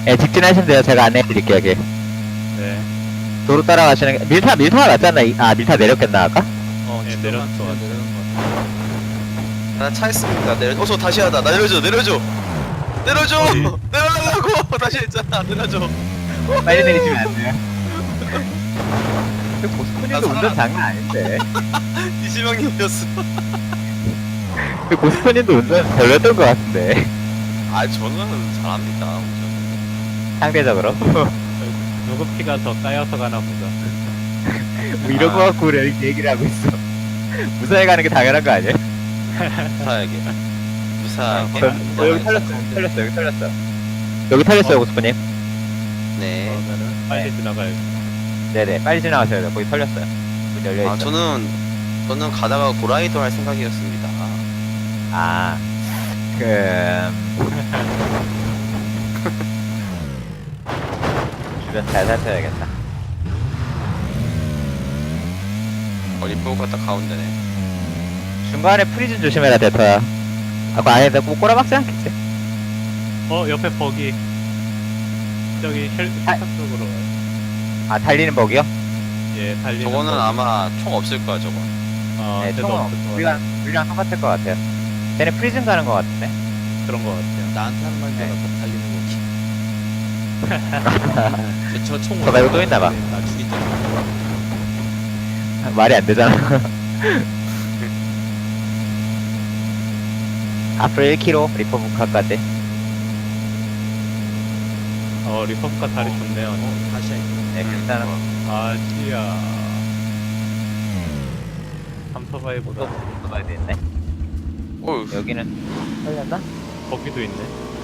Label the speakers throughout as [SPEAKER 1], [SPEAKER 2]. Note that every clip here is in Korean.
[SPEAKER 1] 예, 직진하시면 돼요. 제가 안내해드릴게요, 여기.
[SPEAKER 2] 네.
[SPEAKER 1] 도로 따라가시는 게, 밀타가 맞잖아. 밀타 내렸겠나, 아까?
[SPEAKER 2] 예,
[SPEAKER 3] 지금
[SPEAKER 2] 내렸어.
[SPEAKER 3] 한 두명 내려는 것 같아.
[SPEAKER 4] 나 차 있습니다. 저 다시 하다. 나 내려줘. 내려줘.
[SPEAKER 2] 어디?
[SPEAKER 4] 내려달라고. 다시 했잖아. 내려줘.
[SPEAKER 1] 빨리 내리시면 안 돼요. 그
[SPEAKER 4] 나
[SPEAKER 1] 고스프님도
[SPEAKER 4] 살아.
[SPEAKER 1] 운전 장난 아닌데.
[SPEAKER 4] 이지명님이었어.
[SPEAKER 1] 그 고스프님도 운전 별로였던 것 같은데.
[SPEAKER 4] 아, 저는 잘합니다. 운전.
[SPEAKER 1] 상대적으로.
[SPEAKER 2] 누구 피가 더 쌓여서 가나 보다.
[SPEAKER 1] 뭐 이런 거 갖고 우리 이렇게 얘기를 하고 있어. 무사히 가는 게 당연한 거 아니에요?
[SPEAKER 4] 무사하게. 무사하게.
[SPEAKER 1] 여기 털렸어, 여기 털렸어. 여기 털렸어요, 고스프님.
[SPEAKER 4] 네.
[SPEAKER 2] 그러면은 빨리 지나가야지.
[SPEAKER 1] 네네, 빨리 지나가셔야 돼요. 거기 털렸어요. 문 열려있어.
[SPEAKER 4] 아, 저는 가다가 고라이도 할 생각이었습니다.
[SPEAKER 1] 아, 주변 잘 살펴야겠다.
[SPEAKER 4] 리포 갔다 가운데네.
[SPEAKER 1] 중간에 프리즌 조심해라, 대터야. 아, 그 안에서 꼭 꼬라박지 않겠지?
[SPEAKER 2] 옆에 버기. 저기 헬 쪽으로 가요.
[SPEAKER 1] 아, 달리는 버기요?
[SPEAKER 2] 예, 달리는
[SPEAKER 4] 저거는
[SPEAKER 2] 버기.
[SPEAKER 4] 아마 총 없을 거야, 저거.
[SPEAKER 1] 네,
[SPEAKER 2] 쟤도
[SPEAKER 1] 총은
[SPEAKER 2] 없을 것 같아.
[SPEAKER 1] 우리랑 똑같을 것 같아요. 쟤네 프리즌 가는 것 같은데?
[SPEAKER 2] 그런 것 같아요.
[SPEAKER 3] 나한테 하는 말인 줄 알았다. 달리는 거지. 저총
[SPEAKER 1] 저 말고 또 있나 봐.
[SPEAKER 3] 나 죽인다.
[SPEAKER 1] 말이 안 되잖아. 앞으로 1km, 리퍼 북카까지.
[SPEAKER 2] 리퍼브카 다리 좋네요.
[SPEAKER 3] 다시 해.
[SPEAKER 1] 네, 괜찮아.
[SPEAKER 2] 아지야. 삼터바이보다
[SPEAKER 1] 가야 되겠네.
[SPEAKER 4] 어휴.
[SPEAKER 1] 여기는 털렸나?
[SPEAKER 2] 버기도 있네.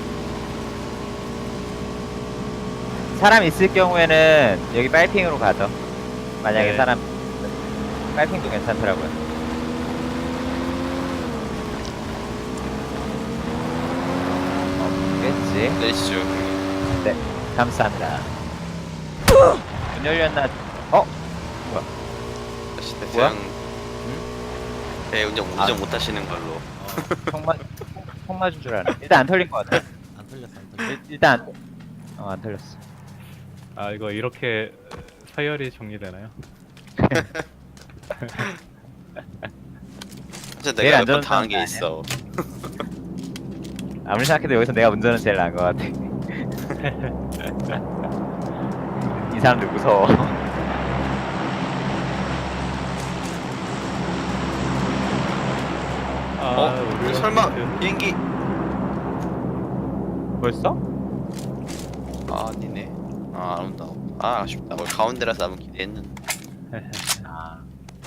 [SPEAKER 1] 사람 있을 경우에는 여기 빨핑으로 가죠. 만약에
[SPEAKER 2] 네.
[SPEAKER 1] 사람 빨핑도 괜찮더라고요. 없겠지.
[SPEAKER 4] 내리시죠.
[SPEAKER 1] 감사합니다. 문 열렸나?
[SPEAKER 4] 다시
[SPEAKER 1] 뭐야?
[SPEAKER 4] 그냥 배 운전 못 하시는 걸로.
[SPEAKER 1] 총 맞은 줄 알았네. 일단 안 털린 것 같아.
[SPEAKER 3] 안 털렸어, 안 털렸어.
[SPEAKER 1] 일단 안 털렸어.
[SPEAKER 2] 아, 이거 이렇게 서열이 정리되나요?
[SPEAKER 4] 진짜
[SPEAKER 1] 제일
[SPEAKER 4] 내가
[SPEAKER 1] 안
[SPEAKER 4] 몇 번
[SPEAKER 1] 좋은
[SPEAKER 4] 당한 게
[SPEAKER 1] 사람
[SPEAKER 4] 있어.
[SPEAKER 1] 아무리 생각해도 여기서 내가 운전은 제일 나은 것 같아. 이 사람들 무서워.
[SPEAKER 2] 우리
[SPEAKER 4] 설마
[SPEAKER 2] 그
[SPEAKER 4] 비행기?
[SPEAKER 1] 벌써?
[SPEAKER 4] 아, 아니네. 아, 안 온다. 아, 아쉽다. 가운데라서 한번 기대했는데.
[SPEAKER 1] 아.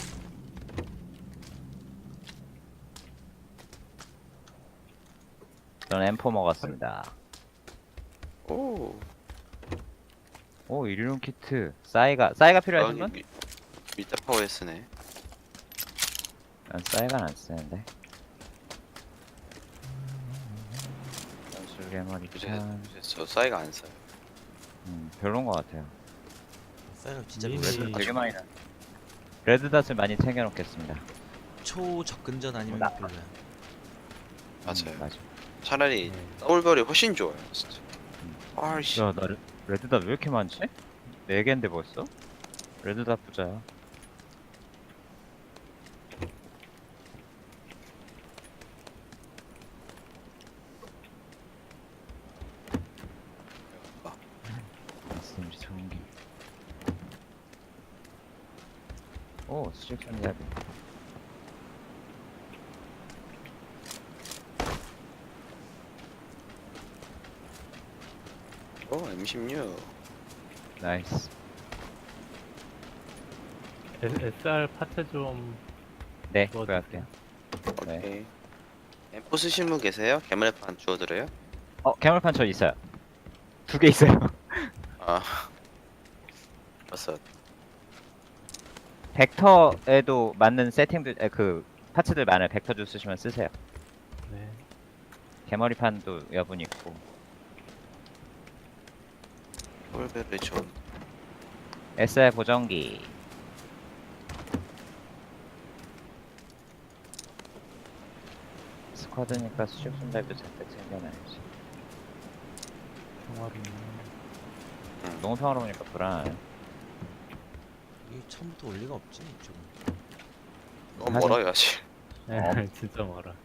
[SPEAKER 1] 저는 M4 먹었습니다.
[SPEAKER 4] 오.
[SPEAKER 1] 오, 일용 키트. 싸이가 필요하신 분?
[SPEAKER 4] 미타 파워에스네.
[SPEAKER 1] 난 싸이가 안 쓰는데. 연술개머리
[SPEAKER 4] 요새
[SPEAKER 1] 참.
[SPEAKER 4] 저 사이가 안 써요.
[SPEAKER 1] 별론 것 같아요.
[SPEAKER 3] 사이가 진짜
[SPEAKER 2] 이미-
[SPEAKER 3] 레드
[SPEAKER 1] 되게 많이 나. 레드닷을 많이 챙겨놓겠습니다.
[SPEAKER 3] 초접근전 아니면
[SPEAKER 1] 나-
[SPEAKER 3] 별로야.
[SPEAKER 4] 맞아요.
[SPEAKER 1] 맞아.
[SPEAKER 4] 차라리 더블별이 훨씬 좋아요, 진짜. 아이씨.
[SPEAKER 1] 야, 나 레드닷 왜 이렇게 많지? 4개인데 벌써? 레드닷 부자야. SMG 전기. 오, 수직 전략이.
[SPEAKER 4] M16.
[SPEAKER 1] 나이스.
[SPEAKER 2] SR 파트 좀
[SPEAKER 1] 네,
[SPEAKER 2] 뭐
[SPEAKER 1] 구할게요. 네.
[SPEAKER 4] 오케이. M4 쓰신 분 계세요? 개물판 주워드려요?
[SPEAKER 1] 개물판 저 있어요. 2개 있어요.
[SPEAKER 4] 아. 봤어.
[SPEAKER 1] 벡터에도 맞는 세팅들, 그 파츠들 많아요. 벡터 주 쓰시면 쓰세요.
[SPEAKER 2] 네.
[SPEAKER 1] 개머리판도 여분 있고.
[SPEAKER 4] 더블별이 좋은.
[SPEAKER 1] SR 보정기. 스쿼드니까 수직 손잡이도 잠깐 챙겨놔야지.
[SPEAKER 2] 평화롭네.
[SPEAKER 1] 너무 평화로우니까 불안하네.
[SPEAKER 3] 이 처음부터 올 리가 없지 이쪽은.
[SPEAKER 4] 너무 멀어요 아직.
[SPEAKER 2] 네,
[SPEAKER 1] 어.
[SPEAKER 2] 진짜 멀어.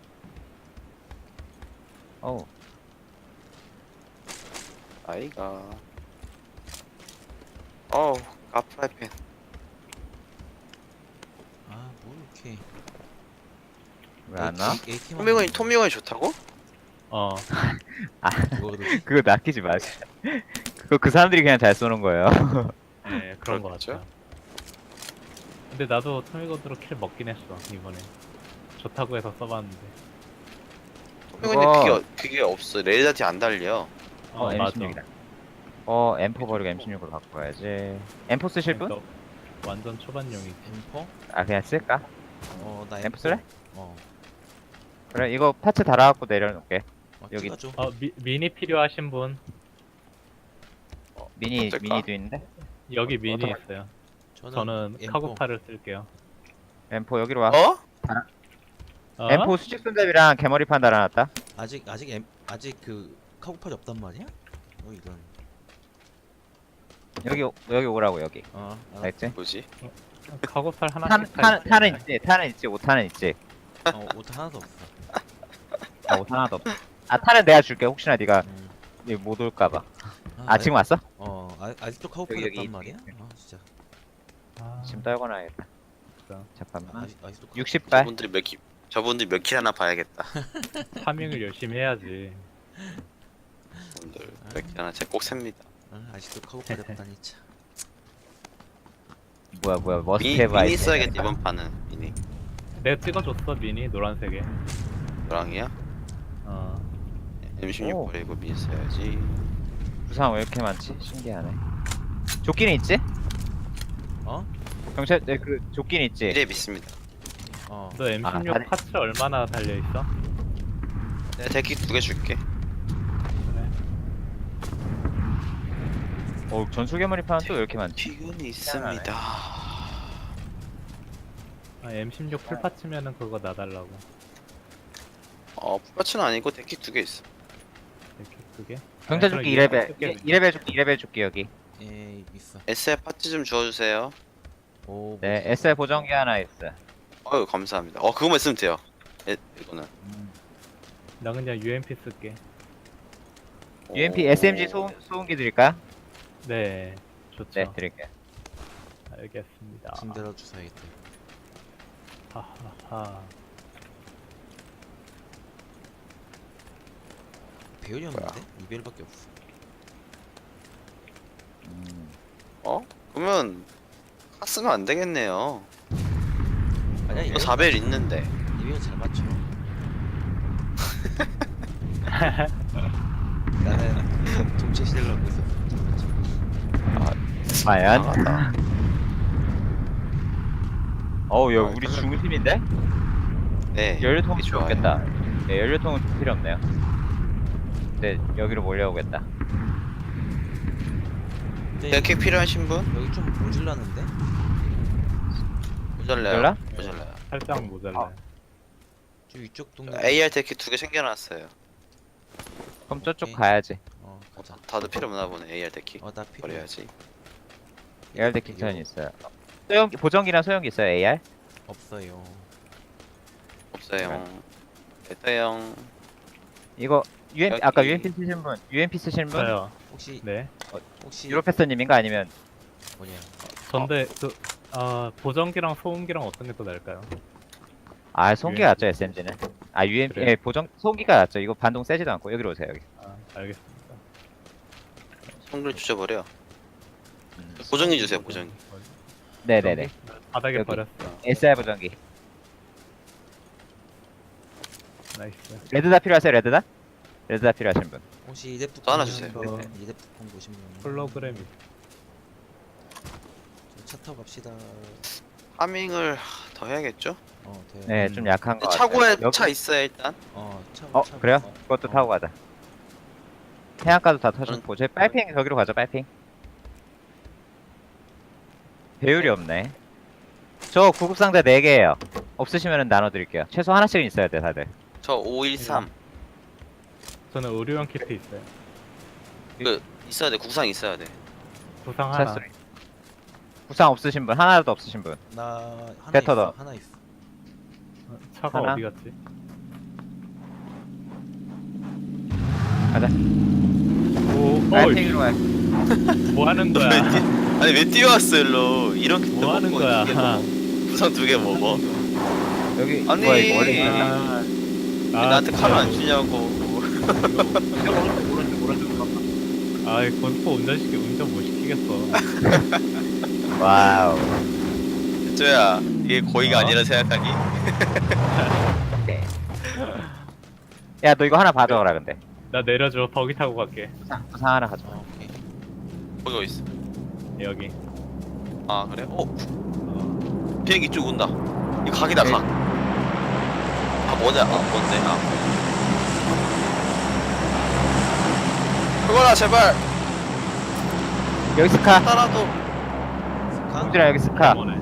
[SPEAKER 1] 어우,
[SPEAKER 4] 아이가. 어우 카프라이팬.
[SPEAKER 3] 아뭐 이렇게.
[SPEAKER 1] 왜 안 와?
[SPEAKER 4] 토미건이 좋다고?
[SPEAKER 2] 어,
[SPEAKER 3] 이거도
[SPEAKER 1] 그거 낚이지 마시. 그거 그 사람들이 그냥 잘 쏘는 거예요.
[SPEAKER 2] 네, 그런 거
[SPEAKER 4] 그렇죠?
[SPEAKER 2] 같아요. 근데 나도 토미건으로 킬 먹긴 했어, 이번에. 좋다고 해서 써봤는데.
[SPEAKER 4] 토미건이 그게 없어. 레이더티 안 달려.
[SPEAKER 2] 맞아.
[SPEAKER 1] M16이다. M4 버리고 M16으로 바꿔야지. M4 쓰실 분?
[SPEAKER 2] 그러니까 완전 초반용이지.
[SPEAKER 3] 엠퍼?
[SPEAKER 1] 아, 그냥 쓸까?
[SPEAKER 3] 어나
[SPEAKER 1] 엠프 쓸래?
[SPEAKER 3] 어.
[SPEAKER 1] 그래, 이거 파츠 달아갖고 내려놓을게. 여기.
[SPEAKER 3] 찍어줘.
[SPEAKER 2] 미니 필요하신 분?
[SPEAKER 4] 어쩔까?
[SPEAKER 1] 미니도 있는데?
[SPEAKER 2] 여기 미니
[SPEAKER 1] 어떡할-
[SPEAKER 2] 있어요.
[SPEAKER 3] 저는
[SPEAKER 2] 저는
[SPEAKER 3] M4.
[SPEAKER 2] 카고파를 쓸게요.
[SPEAKER 1] M4 여기로 와.
[SPEAKER 4] 어?
[SPEAKER 2] 어?
[SPEAKER 1] M4 수직 손잡이랑 개머리판 달아놨다.
[SPEAKER 3] 아직 그 카고팔이 없단 말이야? 이런.
[SPEAKER 1] 여기 오라고, 여기. 알겠지?
[SPEAKER 4] 뭐지?
[SPEAKER 2] 카고팔 하나
[SPEAKER 1] 탄은 있지, 탄은 있지, 5탄은 있지.
[SPEAKER 3] 옷 하나도 없어.
[SPEAKER 1] 아, 5탄 하나도 없어. 아, 탄은 내가 줄게. 혹시나 네가
[SPEAKER 3] 음.
[SPEAKER 1] 못 올까봐. 아, 지금 왔어?
[SPEAKER 3] 아직도 카고팔이
[SPEAKER 1] 여기
[SPEAKER 3] 없단 말이야?
[SPEAKER 1] 있지.
[SPEAKER 3] 진짜.
[SPEAKER 1] 지금 떨궈놔야겠다.
[SPEAKER 2] 진짜.
[SPEAKER 1] 잠깐만.
[SPEAKER 3] 아직도
[SPEAKER 1] 60발.
[SPEAKER 4] 저분들이 몇 킬 하나 봐야겠다.
[SPEAKER 2] 파밍을 열심히 해야지.
[SPEAKER 4] 저분들 몇 킬 하나 제가 꼭 셉니다.
[SPEAKER 3] 아직도 카고팔이 없다니 참.
[SPEAKER 1] 뭐야, 머스트
[SPEAKER 4] 미니
[SPEAKER 1] 헤브 아이템.
[SPEAKER 4] 써야겠다 이번 판은. 미니.
[SPEAKER 2] 내가 찍어줬어 미니 노란색에.
[SPEAKER 4] 노랑이야?
[SPEAKER 2] 어.
[SPEAKER 4] M16
[SPEAKER 1] 오.
[SPEAKER 4] 버리고 미니 써야지.
[SPEAKER 1] 부상 왜 이렇게 많지? 신기하네. 조끼는 있지?
[SPEAKER 3] 어?
[SPEAKER 1] 경찰, 그 조끼는 있지?
[SPEAKER 4] 미래 믿습니다.
[SPEAKER 3] 어.
[SPEAKER 2] 너 M16
[SPEAKER 1] 다리-
[SPEAKER 2] 파츠 얼마나 달려 있어?
[SPEAKER 4] 내가 데키 2개 줄게.
[SPEAKER 1] 전술 개머리판은 또 왜 이렇게 많지?
[SPEAKER 4] 픽은 있습니다.
[SPEAKER 2] M16 풀 파츠면은 그거 나달라고.
[SPEAKER 4] 풀파츠는 아니고 데키 2개 있어.
[SPEAKER 2] 이렇게 그게?
[SPEAKER 1] 경찰
[SPEAKER 2] 아니,
[SPEAKER 1] 조끼
[SPEAKER 2] 그럼
[SPEAKER 1] 2레벨. 2레벨 조끼 여기.
[SPEAKER 3] 예 있어.
[SPEAKER 4] SF 파츠 좀 주워주세요.
[SPEAKER 3] 오.
[SPEAKER 1] 네, SR 보정기 하나 있어.
[SPEAKER 4] 어유 감사합니다. 그거만 있으면 돼요. 이거는.
[SPEAKER 2] 나 그냥 UMP 쓸게.
[SPEAKER 1] UMP SMG 소음기 드릴까요?
[SPEAKER 2] 네, 좋죠.
[SPEAKER 1] 네, 드릴게요.
[SPEAKER 2] 알겠습니다.
[SPEAKER 3] 짐대로 주사야겠다.
[SPEAKER 2] 하하하.
[SPEAKER 3] 배율이 없는데? 2배율밖에 없어.
[SPEAKER 4] 그러면 쓰면 안 되겠네요.
[SPEAKER 3] 아니야
[SPEAKER 4] 이거 4벨 있는데.
[SPEAKER 3] 2배율 잘 맞춰. 나는 동체 시대를 갖고 있어.
[SPEAKER 1] 과연?
[SPEAKER 4] 이상하다.
[SPEAKER 1] 야, 우리 중심인데?
[SPEAKER 4] 네.
[SPEAKER 1] 연료통이
[SPEAKER 4] 좋아요.
[SPEAKER 1] 좋겠다. 네, 연료통은 필요 없네요. 네, 여기로 몰려오겠다.
[SPEAKER 3] 근데
[SPEAKER 4] 데키 필요하신 분?
[SPEAKER 3] 여기 좀 모질라는데?
[SPEAKER 4] 모자라요.
[SPEAKER 1] 모자라?
[SPEAKER 4] 모자라요.
[SPEAKER 2] 살짝 모자라.
[SPEAKER 3] 저 위쪽 동네.
[SPEAKER 4] AR 데키 2개 챙겨놨어요.
[SPEAKER 1] 그럼 저쪽
[SPEAKER 3] 오케이.
[SPEAKER 1] 가야지.
[SPEAKER 3] 가자.
[SPEAKER 4] 다들 필요 없나 보네. AR 데키.
[SPEAKER 3] 나 필요.
[SPEAKER 4] 버려야지.
[SPEAKER 1] AR 데키 전이 있어요. 보정기랑 소형기 있어요, AR?
[SPEAKER 3] 없어요.
[SPEAKER 4] 없어요. 됐어요.
[SPEAKER 1] 이거
[SPEAKER 4] 여기-
[SPEAKER 1] 아까 UMP 쓰신 분?
[SPEAKER 2] 저요.
[SPEAKER 3] 혹시
[SPEAKER 2] 네.
[SPEAKER 1] 유로패스님인가 아니면
[SPEAKER 3] 뭐냐?
[SPEAKER 2] 전데 보정기랑 소음기랑 어떤 게 더 나을까요?
[SPEAKER 1] 소음기가
[SPEAKER 2] UMP.
[SPEAKER 1] 낫죠, SMG는. UMP
[SPEAKER 2] 그래요?
[SPEAKER 1] 소음기가 낫죠. 이거 반동 세지도 않고 여기로 오세요, 여기.
[SPEAKER 2] 알겠습니다.
[SPEAKER 4] 손글 주셔버려. 보정기 주세요. 보정기.
[SPEAKER 1] 네네네.
[SPEAKER 2] 바닥에
[SPEAKER 1] 여기.
[SPEAKER 2] 버렸어.
[SPEAKER 1] SR 보정기.
[SPEAKER 2] 나이스.
[SPEAKER 1] 레드다 필요하세요, 레드다? 레드다 필요하신 분.
[SPEAKER 3] 혹시 이데프
[SPEAKER 4] 또 하나 주세요.
[SPEAKER 3] 이데프콘 보신 분?
[SPEAKER 2] 홀로그램이.
[SPEAKER 3] 차 타고 갑시다.
[SPEAKER 4] 파밍을 더 해야겠죠?
[SPEAKER 3] 돼.
[SPEAKER 1] 네, 좀 약한 거 같아요.
[SPEAKER 4] 차고에
[SPEAKER 1] 여기-
[SPEAKER 4] 차 있어요 일단.
[SPEAKER 3] 차.
[SPEAKER 1] 그래요? 그것도 타고 가자. 해안가도 다
[SPEAKER 4] 저는-
[SPEAKER 1] 터졌고 저희 빨핑 저기로 가죠, 빨핑. 배율이 없네. 저 구급상자 4개예요. 없으시면 나눠드릴게요. 최소 하나씩은 있어야 돼, 다들.
[SPEAKER 4] 저 513.
[SPEAKER 2] 저는 의료용 키트 있어요.
[SPEAKER 4] 그 있어야 돼. 국상 있어야 돼.
[SPEAKER 2] 부상 하나.
[SPEAKER 1] 차소리. 구상 없으신 분 하나도 없으신 분.
[SPEAKER 3] 나 하나
[SPEAKER 1] 배터
[SPEAKER 3] 있어.
[SPEAKER 1] 더.
[SPEAKER 3] 하나 있어.
[SPEAKER 2] 차가
[SPEAKER 1] 하나?
[SPEAKER 2] 어디 갔지?
[SPEAKER 1] 가자.
[SPEAKER 2] 오,
[SPEAKER 1] 파이팅으로 해.
[SPEAKER 2] 뭐 하는 거야?
[SPEAKER 4] 아니 왜 뛰어왔어 일로? 이런 게
[SPEAKER 2] 뭐 하는 거야?
[SPEAKER 4] 구상 2개 먹어.
[SPEAKER 1] 여기
[SPEAKER 4] 아니.
[SPEAKER 1] 뭐야 이거 원래 있었나?
[SPEAKER 2] 아,
[SPEAKER 4] 왜 나한테 칼을 안 주냐고.
[SPEAKER 2] 아, 권포 운전 못 시키겠어.
[SPEAKER 1] 와우.
[SPEAKER 4] 쪼야 이게 고의가
[SPEAKER 2] 어?
[SPEAKER 4] 아니라 생각하니?
[SPEAKER 1] 야 너 이거 하나 봐줘라 근데.
[SPEAKER 2] 나 내려줘. 버기 타고 갈게.
[SPEAKER 1] 구상 하나 가져.
[SPEAKER 3] 오케이.
[SPEAKER 4] 거기 어디 있어?
[SPEAKER 2] 여기.
[SPEAKER 4] 아 그래? 비행기 쭉 온다. 이거 각이다
[SPEAKER 1] 네.
[SPEAKER 4] 각. 아 뭐냐? 아 뭔데? 아 그거라 제발
[SPEAKER 1] 여기 스카.
[SPEAKER 4] 따라도.
[SPEAKER 3] 스카?
[SPEAKER 1] 동준아 여기 스카.
[SPEAKER 2] 어머네.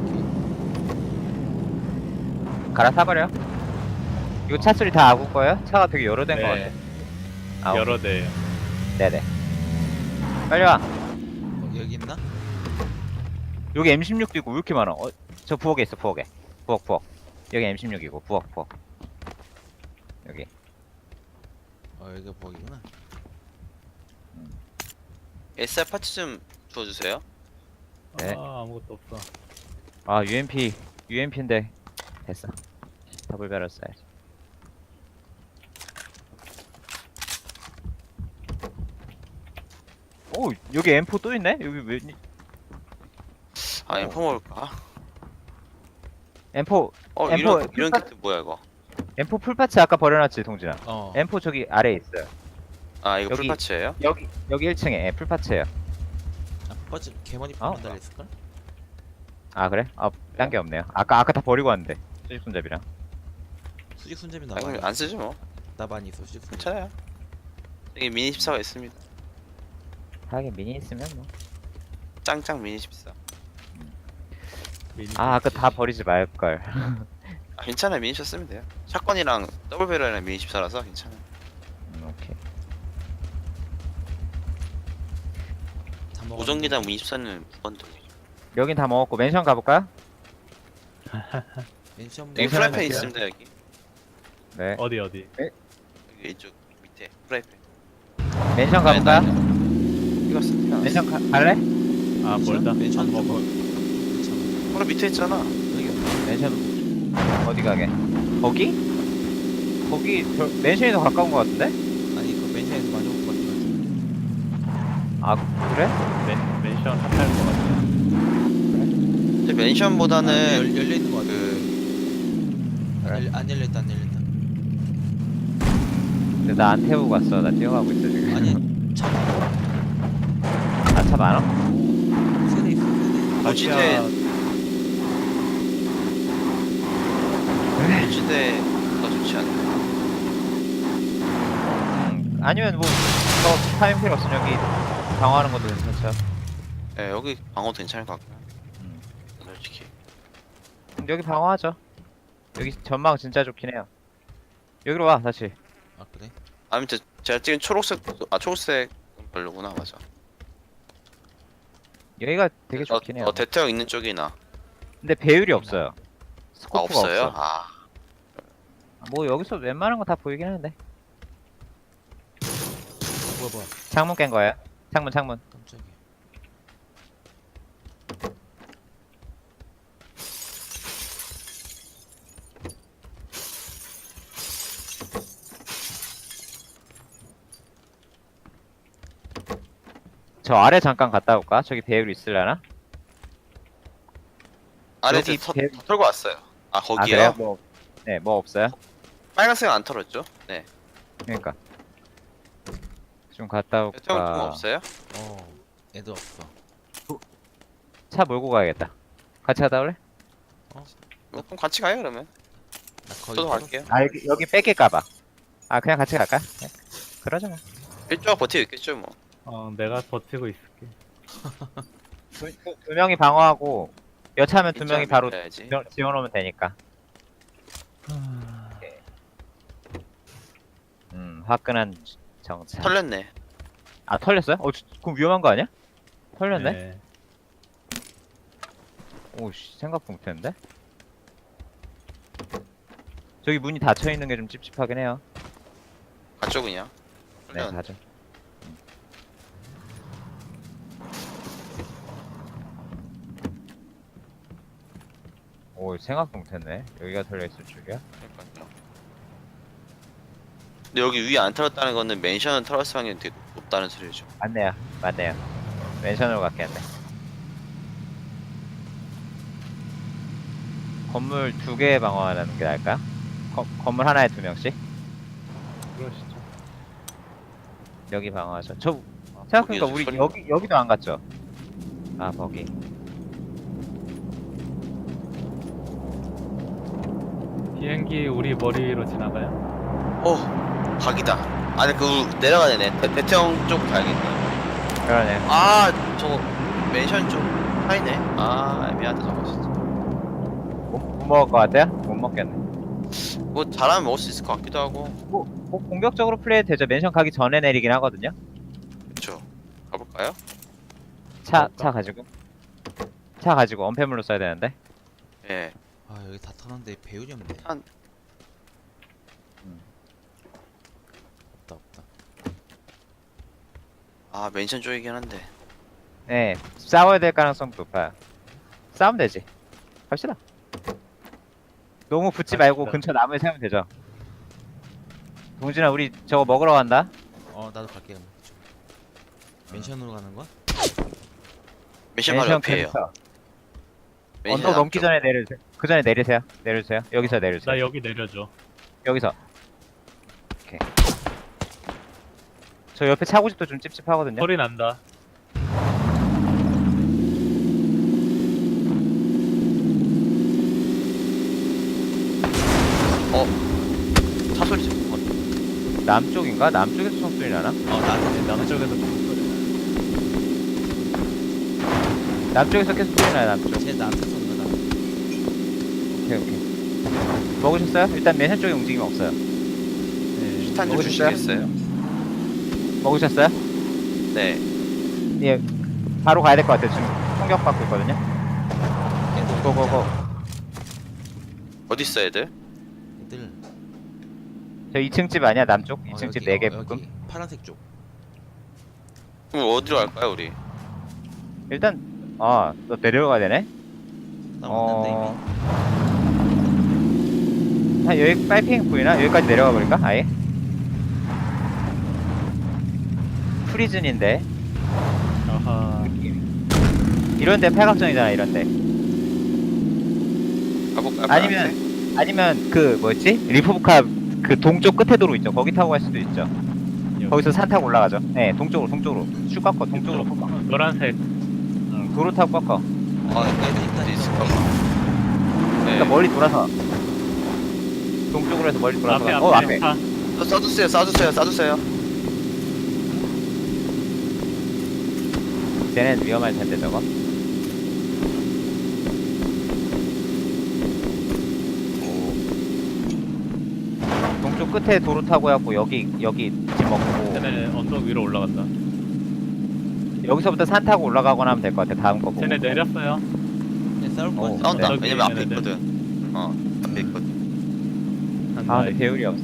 [SPEAKER 1] 갈아타버려. 이거 차 소리 다 아구 거예요? 차가 되게 여러 대인 것
[SPEAKER 2] 네.
[SPEAKER 1] 같아. 아,
[SPEAKER 2] 여러 대.
[SPEAKER 1] 네네. 빨리 와.
[SPEAKER 3] 여기 있나?
[SPEAKER 1] 여기 M16도 있고 왜 이렇게 많아? 저 부엌에 있어 부엌에. 부엌. 여기 M16이고 부엌. 여기.
[SPEAKER 3] 여기가 버기구나.
[SPEAKER 4] SR 파츠 좀 주워주세요.
[SPEAKER 1] 네.
[SPEAKER 2] 아, 아무것도 없어.
[SPEAKER 1] 아 UMP인데 됐어. 더블 배럴 써야지. 오 여기 M4 또 있네? 여기 왜
[SPEAKER 4] 아 M4 먹을까?
[SPEAKER 1] M4
[SPEAKER 4] 이런
[SPEAKER 1] M4
[SPEAKER 4] 이런 키트 뭐야 이거?
[SPEAKER 1] M4 풀파츠 아까 버려놨지 동진아.
[SPEAKER 3] 어.
[SPEAKER 1] M4 저기 아래에 있어요.
[SPEAKER 4] 아 이거
[SPEAKER 1] 여기-
[SPEAKER 4] 풀파츠예요?
[SPEAKER 1] 여기 1층에 예, 풀파츠예요.
[SPEAKER 3] 아, 퍼즐 개머리
[SPEAKER 1] 어?
[SPEAKER 3] 풀만 달렸을 걸?
[SPEAKER 1] 아 그래? 딴 게 없네요. 아까 다 버리고 왔는데 수직 손잡이랑.
[SPEAKER 3] 수직 손잡이 나
[SPEAKER 4] 아
[SPEAKER 3] 많이.
[SPEAKER 4] 이거 안 쓰지 뭐.
[SPEAKER 3] 나 많이 있어 수직 손잡이.
[SPEAKER 4] 괜찮아요. 여기 미니 14가 있습니다.
[SPEAKER 1] 하긴 미니 있으면 뭐.
[SPEAKER 4] 짱짱 미니 14.
[SPEAKER 2] 미니.
[SPEAKER 1] 아까 다 버리지 말 걸.
[SPEAKER 4] 아, 괜찮아요. 미니 14 쓰면 돼요. 샷건이랑 더블 배럴이랑 미니 14라서 괜찮아요.
[SPEAKER 1] 오케이.
[SPEAKER 3] 다 먹었는데.
[SPEAKER 4] 무전기당 미니 14는 무건동이죠.
[SPEAKER 1] 여긴 다 먹었고 맨션 가볼까요?
[SPEAKER 3] 멘션
[SPEAKER 4] 여기
[SPEAKER 1] 괜찮아요.
[SPEAKER 4] 프라이팬 있습니다 여기.
[SPEAKER 1] 네.
[SPEAKER 2] 어디?
[SPEAKER 4] 여기 이쪽 밑에 프라이팬.
[SPEAKER 1] 맨션 가볼까요?
[SPEAKER 4] 이거 쓰니까.
[SPEAKER 1] 맨션 갈래?
[SPEAKER 2] 아, 멀다.
[SPEAKER 3] 멘션
[SPEAKER 2] 안 먹어.
[SPEAKER 3] 괜찮아.
[SPEAKER 4] 바로 밑에 있잖아.
[SPEAKER 3] 여기
[SPEAKER 1] 맨션 어디 가게? 거기? 맨션이 더 가까운 것 같은데?
[SPEAKER 3] 아니 그 멘션에서 마주볼 것 같은
[SPEAKER 1] 아 그래?
[SPEAKER 2] 멘션 핫할 것 같아.
[SPEAKER 4] 근데
[SPEAKER 3] 거.
[SPEAKER 4] 맨션보다는
[SPEAKER 3] 열려 있는 것 같아.
[SPEAKER 1] 그래.
[SPEAKER 3] 안 열렸다 안 열렸다.
[SPEAKER 1] 근데 나 안 태우고 갔어. 나 뛰어가고 있어 지금.
[SPEAKER 3] 아니 차
[SPEAKER 1] 차 많아?
[SPEAKER 3] 세대 있어 세대.
[SPEAKER 4] 고지대 고지대가 좋지 않나?
[SPEAKER 1] 아니면 뭐 타임 필요 없으면 여기 방어하는 것도 괜찮죠.
[SPEAKER 4] 예 여기 방어도 괜찮을 것 같고요.
[SPEAKER 1] 음.
[SPEAKER 4] 솔직히.
[SPEAKER 1] 여기 방어하죠. 여기 전망 진짜 좋긴 해요. 여기로 와 다시.
[SPEAKER 3] 아 그래?
[SPEAKER 4] 아무튼 제가 찍은 초록색 초록색 별로구나 맞아.
[SPEAKER 1] 여기가 되게 좋긴 해요.
[SPEAKER 4] 대태형 있는 쪽이나.
[SPEAKER 1] 근데 배율이 없어요.
[SPEAKER 4] 아
[SPEAKER 1] 스코프가
[SPEAKER 4] 없어요?
[SPEAKER 1] 없어.
[SPEAKER 4] 아
[SPEAKER 1] 뭐 여기서 웬만한 거 다 보이긴 하는데.
[SPEAKER 3] 뭐야
[SPEAKER 1] 창문 깬 거예요. 창문.
[SPEAKER 3] 깜짝이야.
[SPEAKER 1] 저 아래 잠깐 갔다 올까? 저기 배율 있으려나?
[SPEAKER 4] 아래
[SPEAKER 1] 여기
[SPEAKER 4] 다 털고 왔어요. 아
[SPEAKER 1] 아
[SPEAKER 4] 거기요?
[SPEAKER 1] 그래요? 뭐 없어요?
[SPEAKER 4] 빨간색은 안 털었죠? 네.
[SPEAKER 1] 그러니까 좀 갔다
[SPEAKER 4] 대태형 좀
[SPEAKER 1] 올까?
[SPEAKER 4] 없어요?
[SPEAKER 3] 애들 없어.
[SPEAKER 1] 차 몰고 가야겠다. 같이 갔다 올래?
[SPEAKER 4] 그럼 같이 가요 그러면.
[SPEAKER 3] 나 거의
[SPEAKER 4] 저도
[SPEAKER 3] 털었어.
[SPEAKER 4] 갈게요.
[SPEAKER 1] 아 여기 뺏길까봐. 아 그냥 같이 갈까? 네. 그러자 뭐.
[SPEAKER 4] 일조가 버티고 있겠죠 뭐.
[SPEAKER 2] 내가 버티고 있을게.
[SPEAKER 1] 두 명이 방어하고 여차하면 두 명이 바로
[SPEAKER 4] 야지
[SPEAKER 1] 지원오면 되니까. 화끈한 정차.
[SPEAKER 4] 털렸네.
[SPEAKER 1] 아 털렸어요? 그럼 위험한 거 아니야? 털렸네?
[SPEAKER 2] 네.
[SPEAKER 1] 오씨 생각도 못했는데. 저기 문이 닫혀 있는 게 좀 찝찝하긴 해요.
[SPEAKER 4] 가죠 그냥.
[SPEAKER 1] 네
[SPEAKER 4] 그냥
[SPEAKER 1] 가죠. 오 생각도 못했네. 여기가 털려 있을 줄이야.
[SPEAKER 4] 그러니까요. 근데 여기 위에 안 털었다는 거는 맨션을 털었을 확률이 되게 높다는 소리죠.
[SPEAKER 1] 맞네요. 맞네요. 맨션으로 갔겠네. 건물 2개 방어하는 게 나을까요? 건물 하나에 2명씩?
[SPEAKER 2] 그러시죠.
[SPEAKER 1] 여기 방어하죠. 저 생각해보니까
[SPEAKER 4] 거기에서
[SPEAKER 1] 우리
[SPEAKER 4] 소리가-
[SPEAKER 1] 여기도 안 갔죠? 아 거기.
[SPEAKER 2] 비행기 우리 머리 위로 지나가요?
[SPEAKER 4] 각이다. 아니 그 내려가야 되네. 대청 쪽 가야겠네.
[SPEAKER 1] 그러네.
[SPEAKER 4] 아 저거 맨션 쪽 차이네. 아 애매하다 저거 진짜.
[SPEAKER 1] 못 먹을 것 같아요? 못 먹겠네.
[SPEAKER 4] 뭐 잘하면 먹을 수 있을 것 같기도 하고.
[SPEAKER 1] 뭐 공격적으로 플레이해도 되죠. 맨션 가기 전에 내리긴 하거든요.
[SPEAKER 4] 그쵸. 가볼까요?
[SPEAKER 1] 차 가지고. 차 가지고 언패물로 써야 되는데.
[SPEAKER 4] 예.
[SPEAKER 3] 아 여기 다 터놨는데 배율이 없네.
[SPEAKER 4] 한-
[SPEAKER 3] 없다 없다.
[SPEAKER 4] 아 맨션 쪽이긴 한데.
[SPEAKER 1] 네. 싸워야 될 가능성도 높아요. 싸우면 되지. 갑시다. 너무 붙지 말고
[SPEAKER 2] 갑시다.
[SPEAKER 1] 근처 나무에 세우면 되죠. 동진아 우리 저거 먹으러 간다.
[SPEAKER 3] 나도 갈게 그럼. 맨션으로 가는 거야?
[SPEAKER 4] 맨션 바로 옆이에요.
[SPEAKER 1] 근처.
[SPEAKER 4] 맨션
[SPEAKER 1] 언덕 넘기
[SPEAKER 4] 앞쪽.
[SPEAKER 1] 전에 내려주세요. 그 전에 내리세요. 내려주세요. 여기서 내려주세요.
[SPEAKER 2] 나 여기 내려줘.
[SPEAKER 1] 여기서. 오케이. 저 옆에 차고집도 좀 찝찝하거든요.
[SPEAKER 2] 소리 난다.
[SPEAKER 4] 차 소리 지르는 것 같아.
[SPEAKER 1] 남쪽인가? 남쪽에서 총소리 나나?
[SPEAKER 3] 나한테
[SPEAKER 2] 남쪽에서 좀 소리
[SPEAKER 1] 남쪽에서 계속 소리 나요. 남쪽.
[SPEAKER 3] 쟤 나한테 쏜다 나.
[SPEAKER 1] 오케이 오케이. 먹으셨어요? 일단 맨션 쪽에 움직임 없어요.
[SPEAKER 2] 네.
[SPEAKER 4] 실탄 좀
[SPEAKER 1] 먹으셨어요?
[SPEAKER 4] 주시겠어요?
[SPEAKER 1] 먹으셨어요?
[SPEAKER 4] 네.
[SPEAKER 1] 예. 바로 가야 될 것 같아요. 지금 공격받고 있거든요. 고고고.
[SPEAKER 4] 어디 있어 애들?
[SPEAKER 3] 애들.
[SPEAKER 1] 저 2층 집 아니야? 남쪽? 2층
[SPEAKER 3] 여기,
[SPEAKER 1] 집 4개
[SPEAKER 3] 여기
[SPEAKER 1] 묶음?
[SPEAKER 3] 파란색 쪽.
[SPEAKER 4] 그럼 어디로 갈까요 우리?
[SPEAKER 1] 일단 너 내려가야 되네?
[SPEAKER 3] 나 왔는데 이미.
[SPEAKER 1] 한 여기 파이핑 보이나? 여기까지 내려가 버릴까? 아예? 프리즌인데
[SPEAKER 2] 아하.
[SPEAKER 1] 이런데 팔각정이잖아 이런데.
[SPEAKER 4] 가볼까요?
[SPEAKER 1] 아니면 그 뭐였지? 리포브카 그 동쪽 끝에 도로 있죠. 거기 타고 갈 수도 있죠.
[SPEAKER 2] 여기.
[SPEAKER 1] 거기서 산 타고 올라가죠. 네, 동쪽으로 쭉 꺾어. 동쪽으로 꺾어.
[SPEAKER 2] 노란색.
[SPEAKER 1] 도로 타고 꺾어.
[SPEAKER 3] 애들 있다.
[SPEAKER 4] 어디 있을까? 네.
[SPEAKER 1] 그러니까 멀리 돌아서 동쪽으로 해서 멀리 돌아서
[SPEAKER 2] 앞에
[SPEAKER 1] 가.
[SPEAKER 2] 앞에.
[SPEAKER 1] 앞에.
[SPEAKER 2] 차.
[SPEAKER 4] 쏴주세요.
[SPEAKER 1] 쟤는 위험할 텐데 저거. 동쪽 끝에 도로 타고 해갖고 여기 집 먹고
[SPEAKER 2] 쟤네 언덕 위로 올라간다.
[SPEAKER 1] 여기서부터 산 타고 올라가거나 하면 될 것 같아. 다음 거 보고.
[SPEAKER 2] 쟤네 내렸어요.
[SPEAKER 3] 쟤 싸울 거 같아.
[SPEAKER 4] 싸운다.
[SPEAKER 2] 저기
[SPEAKER 4] 왜냐면 앞에
[SPEAKER 2] 있는 애들.
[SPEAKER 4] 있거든. 앞에 있거든.
[SPEAKER 2] 한다.
[SPEAKER 1] 근데 배율이 없어.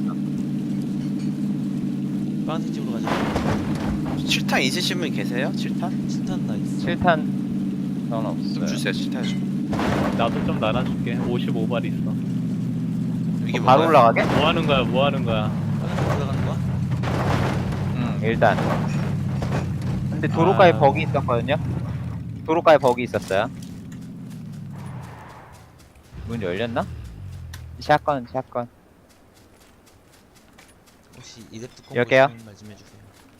[SPEAKER 3] 파란색 집으로 가자.
[SPEAKER 4] 7탄 있으신 분 계세요? 7탄?
[SPEAKER 3] 칠탄 나 있어.
[SPEAKER 1] 7탄 전 없어요.
[SPEAKER 4] 좀 주세요. 7탄 좀.
[SPEAKER 2] 나도 좀 나눠줄게. 55발 있어.
[SPEAKER 4] 이게
[SPEAKER 1] 바로
[SPEAKER 4] 뭐야?
[SPEAKER 1] 올라가게?
[SPEAKER 2] 뭐 하는 거야?
[SPEAKER 3] 파란색 올라가는 거야?
[SPEAKER 1] 일단. 근데 도로가에
[SPEAKER 2] 아.
[SPEAKER 1] 버기 있었거든요. 도로가에 버기 있었어요. 문 열렸나? 샷건.
[SPEAKER 3] 혹시 이랩 뚜껑
[SPEAKER 1] 열게요.
[SPEAKER 3] 보시면 말좀 해주세요.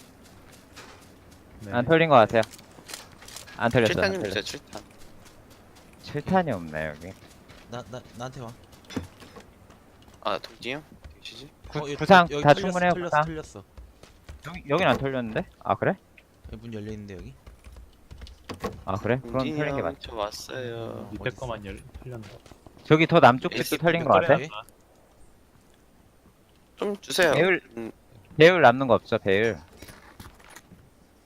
[SPEAKER 2] 네.
[SPEAKER 1] 안 털린 것 같아요. 안 털렸어.
[SPEAKER 4] 7탄 좀 주세요. 7탄.
[SPEAKER 1] 7탄이 없네 여기.
[SPEAKER 3] 나한테 와.
[SPEAKER 4] 동진이 형? 계시지?
[SPEAKER 3] 여기
[SPEAKER 1] 부상
[SPEAKER 3] 여기
[SPEAKER 1] 다
[SPEAKER 3] 털렸어,
[SPEAKER 1] 충분해요. 부상.
[SPEAKER 3] 털렸어.
[SPEAKER 1] 여긴 안 털렸는데? 아 그래?
[SPEAKER 3] 여기 문 열려 있는데 여기.
[SPEAKER 1] 아 그래? 그럼
[SPEAKER 4] 동진이
[SPEAKER 1] 털린 게
[SPEAKER 4] 형,
[SPEAKER 1] 맞.
[SPEAKER 4] 저 왔어요.
[SPEAKER 2] 밑에 거만 털렸나?
[SPEAKER 1] 저기 더 남쪽 집도
[SPEAKER 4] 에이스
[SPEAKER 1] 털린 것
[SPEAKER 3] 그래.
[SPEAKER 1] 같아.
[SPEAKER 4] 좀 주세요.
[SPEAKER 1] 배율
[SPEAKER 4] 음,
[SPEAKER 1] 배율 남는 거 없어 배율.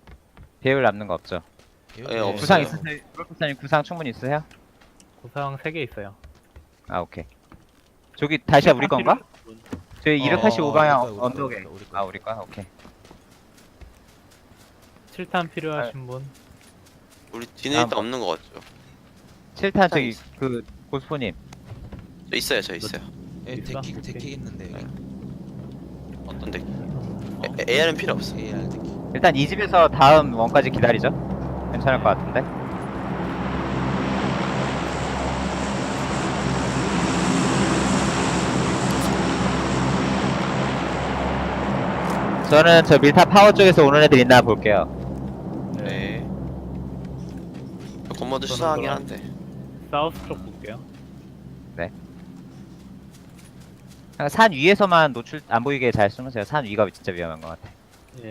[SPEAKER 1] 배율 남는 거 없죠?
[SPEAKER 4] 예, 없어요.
[SPEAKER 1] 구상 있으세요? 프로포사님 구상 충분히 있으세요?
[SPEAKER 2] 구상 3개 있어요.
[SPEAKER 1] 아 오케이. 저기 다시야 우리 건가? 저희 285방향
[SPEAKER 3] 우리 거야,
[SPEAKER 1] 언덕에.
[SPEAKER 3] 우리 거야, 우리 거야.
[SPEAKER 1] 아 우리 거야? 오케이.
[SPEAKER 2] 7탄 필요하신 분?
[SPEAKER 4] 우리 뒤는 일단
[SPEAKER 1] 뭐.
[SPEAKER 4] 없는 거 같죠?
[SPEAKER 1] 7탄 저기 그 고스포님.
[SPEAKER 4] 저 있어요, 저 있어요.
[SPEAKER 3] 예,
[SPEAKER 2] 있어?
[SPEAKER 3] 데킥 있는데 여기.
[SPEAKER 4] 어떤 데?
[SPEAKER 3] 어?
[SPEAKER 4] AR은 필요 없어.
[SPEAKER 3] AR 데킥.
[SPEAKER 1] 일단 이 집에서 다음 원까지 기다리죠. 괜찮을 것 같은데. 저는 저 밀타 파워 쪽에서 오는 애들 있나 볼게요.
[SPEAKER 4] 네. 건모도
[SPEAKER 2] 저는
[SPEAKER 4] 수상하긴
[SPEAKER 2] 그럼-
[SPEAKER 4] 한데.
[SPEAKER 2] 사우스 쪽 볼게요.
[SPEAKER 1] 그냥 산 위에서만 노출 안 보이게 잘 숨으세요. 산 위가 진짜 위험한 것 같아.
[SPEAKER 2] 예.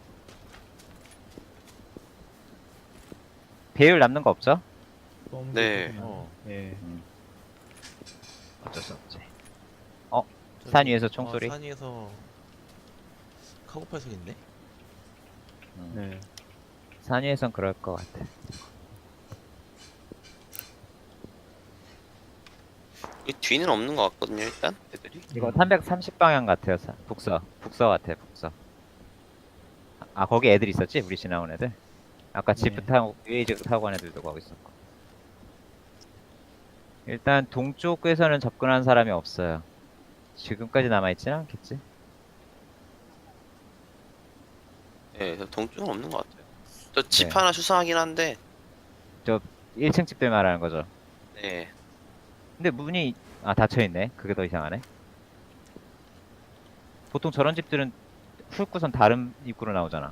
[SPEAKER 1] 배율 남는 거 없죠?
[SPEAKER 2] 쏘는
[SPEAKER 4] 네.
[SPEAKER 2] 게 좋구나. 예.
[SPEAKER 1] 어쩔 수 없지.
[SPEAKER 3] 저기-
[SPEAKER 1] 산 위에서 총소리?
[SPEAKER 3] 산 위에서 카고팔 소리 있네.
[SPEAKER 2] 네.
[SPEAKER 1] 산 위에선 그럴 것 같아.
[SPEAKER 4] 이 뒤는 없는 거 같거든요, 일단 애들이.
[SPEAKER 1] 이거 330방향 같아요. 북서 같아. 북서. 아 거기 애들 있었지? 우리 지나온 애들. 아까 지프
[SPEAKER 2] 네.
[SPEAKER 1] 타고 UAG 타고 간 애들도 거기 있었고. 일단 동쪽에서는 접근한 사람이 없어요. 지금까지 남아있지는 않겠지?
[SPEAKER 4] 예, 저 동쪽은 없는 거 같아요. 저 집
[SPEAKER 1] 네.
[SPEAKER 4] 하나 수상하긴 한데.
[SPEAKER 1] 1층 집들 말하는 거죠.
[SPEAKER 4] 네.
[SPEAKER 1] 근데 문이 닫혀있네. 그게 더 이상하네. 보통 저런 집들은 훑고선 다른 입구로 나오잖아.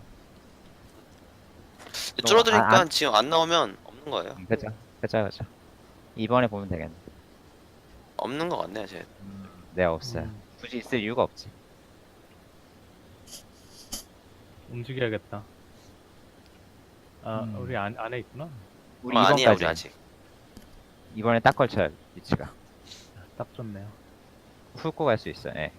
[SPEAKER 4] 줄어드니까
[SPEAKER 1] 아,
[SPEAKER 4] 지금 안 나오면 없는 거예요.
[SPEAKER 1] 그쵸. 이번에 보면 되겠네.
[SPEAKER 4] 없는 거 같네요, 제.
[SPEAKER 1] 네, 없어요.
[SPEAKER 2] 음,
[SPEAKER 1] 굳이 있을 이유가 없지.
[SPEAKER 2] 움직여야겠다. 아,
[SPEAKER 1] 음.
[SPEAKER 2] 우리 안에 있구나.
[SPEAKER 1] 우리
[SPEAKER 4] 아니야, 우리
[SPEAKER 1] 2번까지.
[SPEAKER 4] 아직.
[SPEAKER 1] 이번에 딱 걸쳐요, 위치가.
[SPEAKER 2] 딱 좋네요.
[SPEAKER 1] 훑고 갈 수 있어, 예.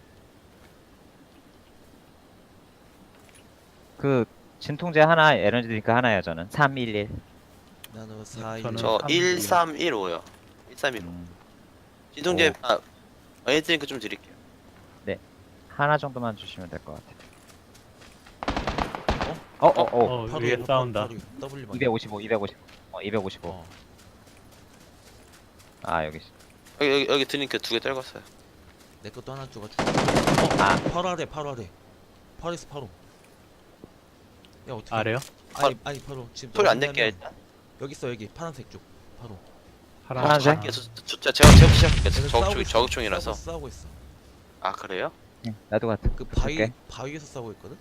[SPEAKER 1] 그, 진통제 하나, 에너지 드링크 하나요, 저는. 311.
[SPEAKER 3] 나는 4
[SPEAKER 2] 저는
[SPEAKER 4] 저
[SPEAKER 2] 3,
[SPEAKER 4] 1315요. 1315.
[SPEAKER 1] 음,
[SPEAKER 4] 진통제,
[SPEAKER 1] 오.
[SPEAKER 4] 애드링크 좀 드릴게요.
[SPEAKER 1] 하나 정도만 주시면 될 것 같아요.
[SPEAKER 2] 위에 싸운다.
[SPEAKER 3] W
[SPEAKER 1] 255. 255.
[SPEAKER 3] 어.
[SPEAKER 1] 아, 여기.
[SPEAKER 4] 여기 드링크 2개 떨궜어요.
[SPEAKER 3] 내 것도 하나 줘가.
[SPEAKER 1] 아.
[SPEAKER 3] 바로 아래. 바로에서 바로. 야 어떻게?
[SPEAKER 2] 아래요?
[SPEAKER 3] 아니 바로 지금.
[SPEAKER 4] 소리 안
[SPEAKER 3] 너무
[SPEAKER 4] 낼게요,
[SPEAKER 3] 하면-
[SPEAKER 4] 일단.
[SPEAKER 3] 여기 있어 여기 파란색 쪽. 바로.
[SPEAKER 1] 파란색?
[SPEAKER 4] 갈게요. 제가 시작할게요.
[SPEAKER 3] 얘들 싸우고 있어.
[SPEAKER 4] 저격총이라서.
[SPEAKER 3] 싸우고 있어.
[SPEAKER 4] 아, 그래요?
[SPEAKER 1] 나도 같아.
[SPEAKER 3] 그
[SPEAKER 1] 붙을게.
[SPEAKER 3] 바위에서 싸우고 있거든.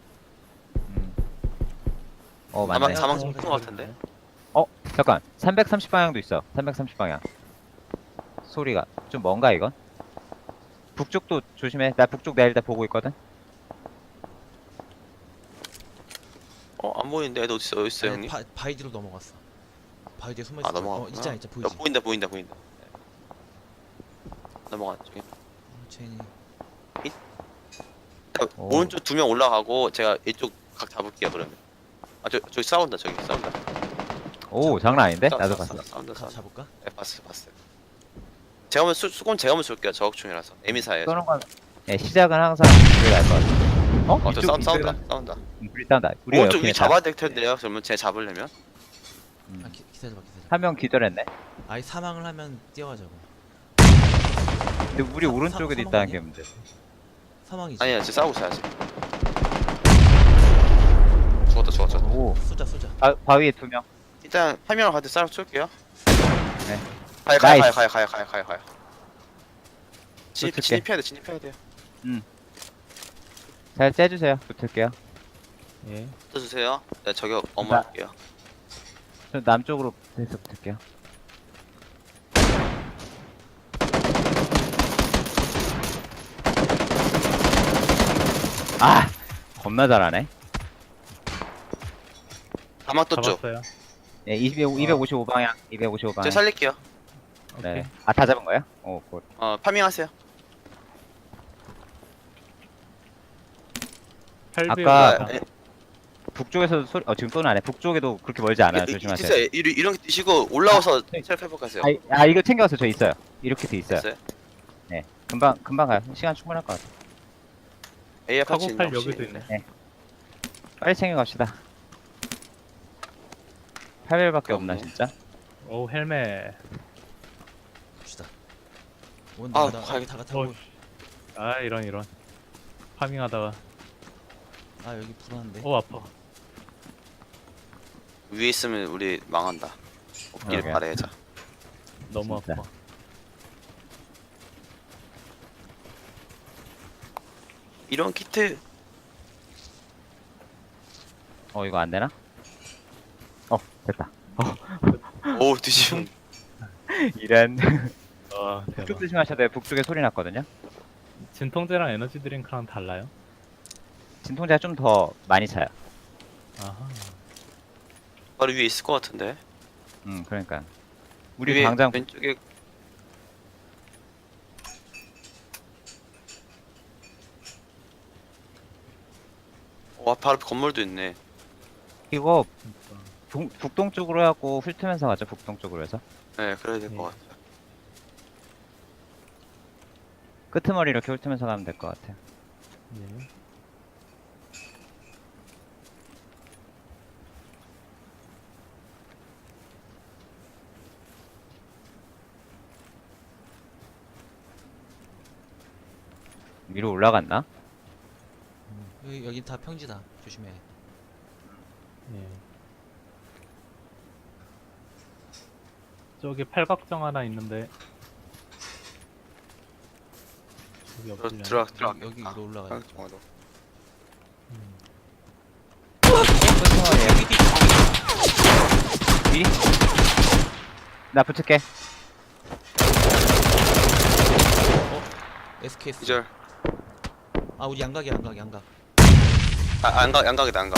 [SPEAKER 1] 맞네.
[SPEAKER 4] 아마
[SPEAKER 3] 야,
[SPEAKER 4] 사망
[SPEAKER 3] 어,
[SPEAKER 4] 좀 큰 것 같은데.
[SPEAKER 1] 잠깐. 330방향도 있어. 330방향. 소리가. 좀 뭔가, 이건? 북쪽도 조심해. 나 북쪽 내일 다 보고 있거든?
[SPEAKER 4] 안 보이는데 애들 어디 있어요, 형님?
[SPEAKER 3] 바위 뒤로 넘어갔어. 바위 뒤에 숨어 있어.
[SPEAKER 4] 넘어갔구나.
[SPEAKER 3] 있잖아 보이지.
[SPEAKER 4] 보인다. 네. 넘어갔죠.
[SPEAKER 3] 쟤니.
[SPEAKER 1] 오.
[SPEAKER 4] 오른쪽 2명 올라가고 제가 이쪽 각 잡을게요, 그러면. 저기 싸운다, 저기 싸운다.
[SPEAKER 1] 오, 장난 아닌데? 나도 봤어.
[SPEAKER 4] 싸운다.
[SPEAKER 3] 잡을까?
[SPEAKER 4] 네, 봤어요. 제가 한번 수건 제가 한번 쏠게요. 저격총이라서. 에미사예요.
[SPEAKER 1] 쏘는 건, 시작은 항상 그게 나을 것 같아.
[SPEAKER 4] 저 싸운다.
[SPEAKER 1] 우리 싸운다. 우리가
[SPEAKER 4] 오른쪽
[SPEAKER 1] 옆에
[SPEAKER 4] 위
[SPEAKER 1] 있다.
[SPEAKER 4] 잡아야 될 텐데요. 그러면 제가 잡으려면.
[SPEAKER 3] 아 기다려봐.
[SPEAKER 1] 한 명 기절했네.
[SPEAKER 3] 아예 사망을 하면 뛰어가자고.
[SPEAKER 1] 근데 우리 오른쪽에도
[SPEAKER 3] 사망
[SPEAKER 1] 있다는 게
[SPEAKER 3] 아니야?
[SPEAKER 1] 문제.
[SPEAKER 3] 사망이지.
[SPEAKER 4] 아니야, 지금 싸우고 있어요, 아직. 죽었다.
[SPEAKER 1] 오.
[SPEAKER 3] 쏘자.
[SPEAKER 1] 바위에 2명.
[SPEAKER 4] 일단 한 명을 가도 싸움 쏠게요.
[SPEAKER 1] 네.
[SPEAKER 4] 가요.
[SPEAKER 1] 쏠게.
[SPEAKER 4] 진입해야 돼요.
[SPEAKER 1] 잘 째주세요. 붙을게요.
[SPEAKER 2] 예.
[SPEAKER 4] 붙어주세요. 네, 저격 어머할게요.
[SPEAKER 1] 저 남쪽으로 해서 붙을게요. 아! 겁나 잘하네.
[SPEAKER 4] 다막 떴죠?
[SPEAKER 2] 잡았어요.
[SPEAKER 1] 네, 255방향. 255방향.
[SPEAKER 4] 제가 살릴게요.
[SPEAKER 2] 오케이.
[SPEAKER 1] 네. 다 잡은 거예요? 오, 굿.
[SPEAKER 4] 파밍하세요.
[SPEAKER 2] 8배율
[SPEAKER 1] 아까-
[SPEAKER 2] 구상.
[SPEAKER 1] 북쪽에서도 소리 지금 쏘는 안해. 북쪽에도 그렇게 멀지 않아요. 조심하세요.
[SPEAKER 4] 있어요. 이런 게 뛰시고 올라와서 셀프 회복하세요.
[SPEAKER 1] 이거 챙겨왔어. 저 있어요. 이렇게 돼 있어요.
[SPEAKER 4] 있어요?
[SPEAKER 1] 네, 금방 가요. 시간 충분할 것 같아.
[SPEAKER 4] AR 파츠 있나
[SPEAKER 2] 카고팔
[SPEAKER 4] 혹시?
[SPEAKER 2] 여기도 있네.
[SPEAKER 1] 빨리 챙겨갑시다. 8일밖에 없나
[SPEAKER 4] 없네.
[SPEAKER 1] 진짜?
[SPEAKER 2] 오 헬멧.
[SPEAKER 3] 봅시다.
[SPEAKER 4] 아,
[SPEAKER 3] 온다.
[SPEAKER 4] 가야겠다.
[SPEAKER 3] 다 타고.
[SPEAKER 2] 아 이런. 파밍하다가
[SPEAKER 3] 아 여기 불안한데.
[SPEAKER 2] 오 아파.
[SPEAKER 4] 위에 있으면 우리 망한다. 없기를
[SPEAKER 1] 그러게.
[SPEAKER 4] 바래자.
[SPEAKER 2] 너무
[SPEAKER 1] 진짜.
[SPEAKER 2] 아파.
[SPEAKER 4] 이런 키트
[SPEAKER 1] 이거 안 되나? 됐다.
[SPEAKER 4] 오 뒤지면
[SPEAKER 1] 이런.
[SPEAKER 2] 와
[SPEAKER 1] 북쪽
[SPEAKER 2] 대박.
[SPEAKER 1] 조심하셔야 돼요. 북쪽에 소리 났거든요.
[SPEAKER 2] 진통제랑 에너지 드링크랑 달라요?
[SPEAKER 1] 진통제가 좀 더 많이 차요.
[SPEAKER 2] 아하.
[SPEAKER 4] 바로 위에 있을 것 같은데.
[SPEAKER 1] 그러니까. 우리
[SPEAKER 4] 위에
[SPEAKER 1] 당장
[SPEAKER 4] 왼쪽에 와 바로 앞에 건물도 있네.
[SPEAKER 1] 이거
[SPEAKER 2] 진짜.
[SPEAKER 1] 북동 쪽으로 해갖고 훑으면서 가죠. 북동 쪽으로 해서.
[SPEAKER 4] 네 그래야 될 것
[SPEAKER 2] 네.
[SPEAKER 4] 같아요.
[SPEAKER 1] 끄트머리 이렇게 훑으면서 가면 될 것 같아요.
[SPEAKER 2] 예.
[SPEAKER 1] 위로 올라갔나?
[SPEAKER 3] 여기 다 평지다. 조심해.
[SPEAKER 2] 예. 저기 팔각정 하나 있는데 여기 없으려나?
[SPEAKER 4] 들어가.
[SPEAKER 3] 여기 위로 올라가요.
[SPEAKER 4] 정화도.
[SPEAKER 2] 음.
[SPEAKER 1] 끄트머리에요. 미리? 나 붙을게.
[SPEAKER 3] SKS.
[SPEAKER 4] 기절.
[SPEAKER 3] 아 우리 양각이야 양각.
[SPEAKER 4] 양각이다 양각.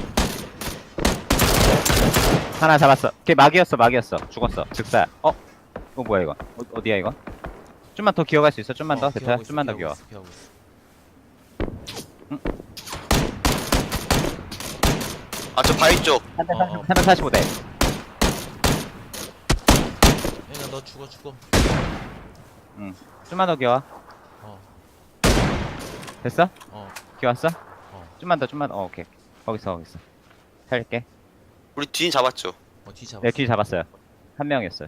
[SPEAKER 1] 하나 잡았어. 걔 막이었어. 죽었어. 즉사. 뭐야 이거? 어디야 이거? 좀만 더 기어갈 수 있어. 좀만 더. 대표야. 좀만 더 기어.
[SPEAKER 3] 기어하고 있어.
[SPEAKER 4] 아 저 바위 쪽.
[SPEAKER 1] 345대.
[SPEAKER 3] 얘가 너 죽어.
[SPEAKER 1] 좀만 더 기어.
[SPEAKER 3] 어.
[SPEAKER 1] 됐어?
[SPEAKER 3] 어.
[SPEAKER 1] 기어왔어?
[SPEAKER 3] 어.
[SPEAKER 1] 좀만 더. 오케이. 거기서. 살릴게.
[SPEAKER 4] 우리 뒤는 잡았죠.
[SPEAKER 3] 뒤 잡아.
[SPEAKER 1] 내 뒤 잡았어요. 한 명이었어요.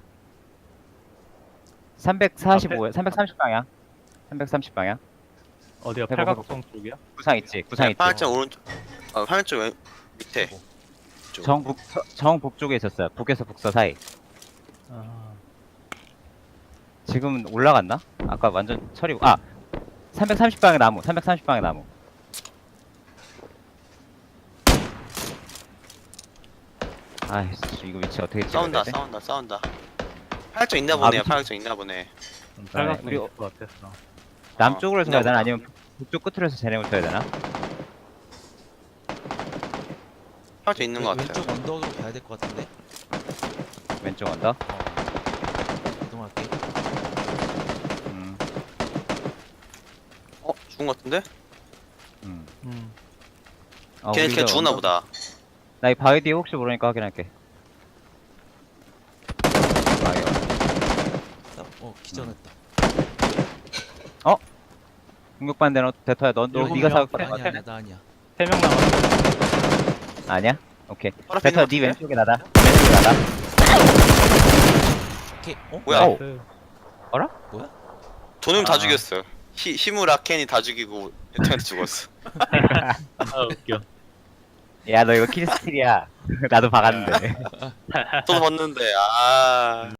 [SPEAKER 1] 345에 330방향. 330방향.
[SPEAKER 2] 어디야?
[SPEAKER 1] 해봐,
[SPEAKER 2] 팔각정 쪽이야?
[SPEAKER 1] 구상 있지.
[SPEAKER 4] 화면쪽 오른쪽. 화면쪽 밑에.
[SPEAKER 1] 정북쪽에 있었어요. 북에서 북서 사이.
[SPEAKER 2] 아,
[SPEAKER 1] 지금 올라갔나? 아까 완전 처리고. 330방향 나무. 330방향 나무. 아이씨, 이거 위치 어떻게 찍어야 되지?
[SPEAKER 4] 싸운다. 화면쪽 있나 보네요.
[SPEAKER 1] 미친.
[SPEAKER 4] 화면쪽 있나 보네.
[SPEAKER 2] 팔각정
[SPEAKER 1] 우리-
[SPEAKER 2] 있을 것 같았어.
[SPEAKER 1] 남쪽으로 해서 가야 되나?
[SPEAKER 4] 있나 보다.
[SPEAKER 1] 아니면 북쪽 끝으로 해서 쟤네 붙여야 되나?
[SPEAKER 4] 화면쪽 있는 것 같아요.
[SPEAKER 3] 왼쪽 언덕으로 가야 될 것 같은데.
[SPEAKER 1] 왼쪽 언더?
[SPEAKER 3] 이동할게.
[SPEAKER 1] 음,
[SPEAKER 4] 죽은 것 같은데?
[SPEAKER 1] 음.
[SPEAKER 2] 음.
[SPEAKER 4] 걔
[SPEAKER 1] 우리가
[SPEAKER 4] 죽었나
[SPEAKER 1] 언더-
[SPEAKER 4] 보다.
[SPEAKER 1] 나 이 바위 뒤에 혹시 모르니까 확인할게. 바위.
[SPEAKER 3] 기전했다.
[SPEAKER 1] 공격받는 데는 대터야. 너
[SPEAKER 2] 일곱
[SPEAKER 1] 네가
[SPEAKER 2] 명.
[SPEAKER 1] 사올 거야?
[SPEAKER 3] 아니야 나 아니야.
[SPEAKER 2] 3명 남았어.
[SPEAKER 1] 아니야? 오케이.
[SPEAKER 4] 바로 앞에
[SPEAKER 1] 대터
[SPEAKER 4] 있는
[SPEAKER 1] 네
[SPEAKER 4] 것 같은데?
[SPEAKER 1] 왼쪽에 나다. 왼쪽에 나다.
[SPEAKER 3] 오케이.
[SPEAKER 4] 뭐야?
[SPEAKER 1] 오.
[SPEAKER 2] 나이스.
[SPEAKER 4] 돈을 다
[SPEAKER 1] 아.
[SPEAKER 4] 죽였어요. 히무라 켄이 다 죽이고 에터한테 죽었어.
[SPEAKER 2] 아 웃겨.
[SPEAKER 1] 야, 너 이거 킬스틸이야. 나도 박았는데.
[SPEAKER 4] 저도 봤는데